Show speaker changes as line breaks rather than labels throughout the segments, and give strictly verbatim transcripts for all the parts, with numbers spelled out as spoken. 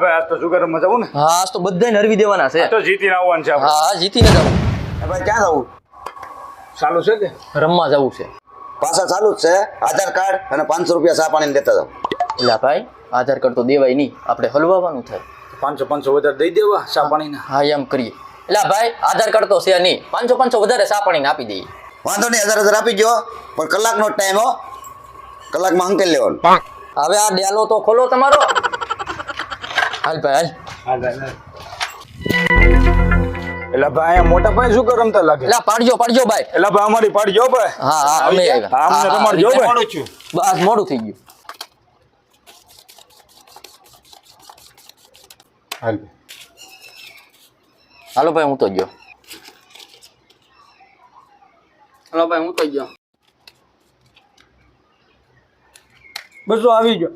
ભાઈ આજ તો જુગાર રમવા જવું ને?
હા આજ તો બધાને હરવી દેવાના છે.
તો જીતીને આવવાનું છે આપણે.
હા હા જીતીને જવું.
ભાઈ ક્યાં જવું?
ચાલુ છે કે
રમવા જવું છે.
પાછા ચાલુ જ છે. આધાર કાર્ડ અને પાંચસો રૂપિયા ચા પાણી દેતા જાવ.
એટલે ભાઈ આધાર કાર્ડ તો દેવાય નહીં, આપણે હલવાવાનું થાય.
પાંચસો પાંચસો વધારે દઈ દેવા ચા પાણીના.
હા એમ કરીએ. એટલે ભાઈ આધાર કાર્ડ તો છે નહીં, પાંચસો પાંચસો વધારે ચા પાણીને આપી દઈએ.
વાંધો નહીં, હજાર હજાર આપી ગયો પણ કલાકનો ટાઈમ હો. કલાકમાં અંકેલ લેવાનું.
હવે આ ડેલો તો ખોલો તમારો. હાલ ભાઈ હાલ.
હા ભાઈ એટલે ભાઈ અહીંયા મોટા ભાઈ શું કર રમતા લાગે?
એટલે પાડજો પાડજો ભાઈ.
એટલે ભાઈ અમારી પાડી જો ભાઈ.
હા હા અમે આવ્યા.
હા અમને રમાડજો ભાઈ.
બસ મોડું થઈ ગયું.
હાલ
હાલો ભાઈ હું તો ગયો. હાલો ભાઈ હું તો ગયો.
બસો આવી ગયો.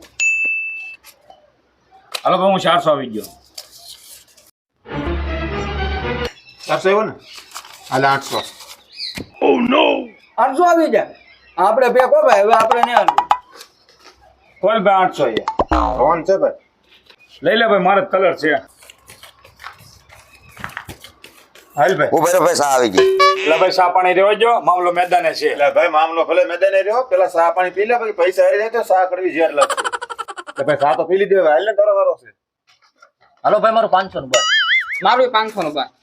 હાલો ભાઈ હું ચારસો આવી ગયો.
ચારસો આવ્યો ને? હાલે આઠસો.
આઠસો આવી જાય. આપણે બે કો ભાઈ, હવે આપણે નહીં હાલવું.
કોલ ભાઈ આઠસો છે.
રોન છે ભાઈ.
લઈ લે ભાઈ મારો કલર છે.
હાલ ભાઈ.
ઉભો રહ્યો ભાઈ, ચા આવી ગઈ.
એટલે ભાઈ ચા પાણી રહેવા જો, મામલો મેદાને છે.
એટલે ભાઈ મામલો ભલે મેદાને રહ્યો, પેલા ચા પાણી પી લે, પછી પૈસા હારી જાય તો ચા કડવી ઝેર લાગશે. એટલે ભાઈ ચા તો પી લીધી, હવે હાલ ને તારો વારો છે.
હાલો ભાઈ મારું પાંચસો નું ભાઈ.
મારું પાંચસો નું ભાઈ.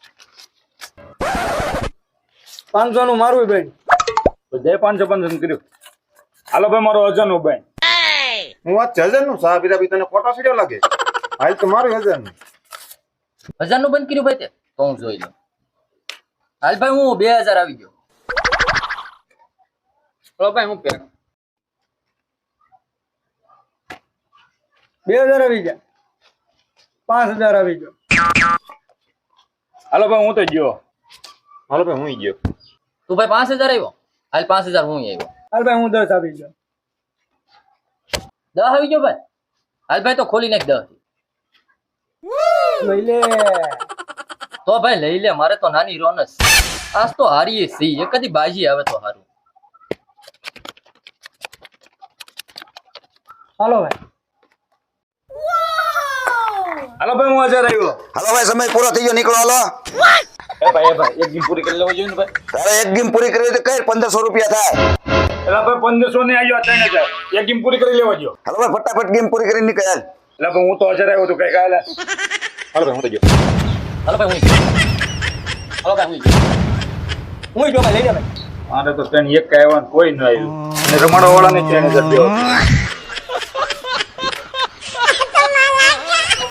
પાંચસો નું મારું ભાઈ.
તો જે પાંચસો પાંચસો નું કર્યું. હાલો ભાઈ મારો હજાર નું ભાઈ.
હું વાત છે હજાર નું ચા પીતા પીતા ખોટા સીડ્યો લાગે. હાલ તો મારું હજાર નું.
હજાર નું બંધ કર્યું ભાઈ તે તો હું જોઈ લઉં. હાલ ભાઈ હું બે હજાર આવી ગયો.
ચલો ભાઈ હું પેક. બે હજાર આવી જાય. પાંચ હજાર આવી ગયો.
હાલો ભાઈ હું તો ગયો.
હાલો ભાઈ હું ગયો.
તું ભાઈ પાંચ હજાર આવ્યો. હાલ પાંચ હજાર હું આવ્યો.
હાલ ભાઈ હું દસ આવી ગયો.
દસ આવી ગયો ભાઈ. હાલ ભાઈ તો ખોલી નાખ દસ.
લઈ લે.
તો ભાઈ લઈ લે, મારે તો નાની રોનસ. આજ તો હારીએ સી એક જ બાજી આવે તો હારું.
હાલો ભાઈ.
હાલો ભાઈ હું હજાર આવ્યો.
હાલો ભાઈ, સમય પૂરો થઈ ગયો, નીકળો હાલો.
એ ભાઈ એ ભાઈ એક ગેમ પૂરી કરી લેવા જોઈએ ને ભાઈ.
તારે એક ગેમ પૂરી કરી તો કઈ પંદરસો રૂપિયા થાય.
એટલે ભાઈ પંદરસો ને આવ્યો ત્રણ હજાર. એક ગેમ પૂરી કરી લેવા જો.
હાલો ભાઈ, ફટાફટ ગેમ પૂરી કરીને નીકળ.
એટલે ભાઈ હું તો હજાર આવ્યો તો કઈ કાલે.
હાલો ભાઈ હું તો ગયો.
હાલો ભાઈ હું ગયો. હાલો ભાઈ હું ગયો.
હું જો ભાઈ લઈ લે ભાઈ.
મારે તો ત્રણ એક આવ્યા કોઈ ન આવ્યું. અને રમાડવા વાળા ને ત્રણ હજાર દેવા.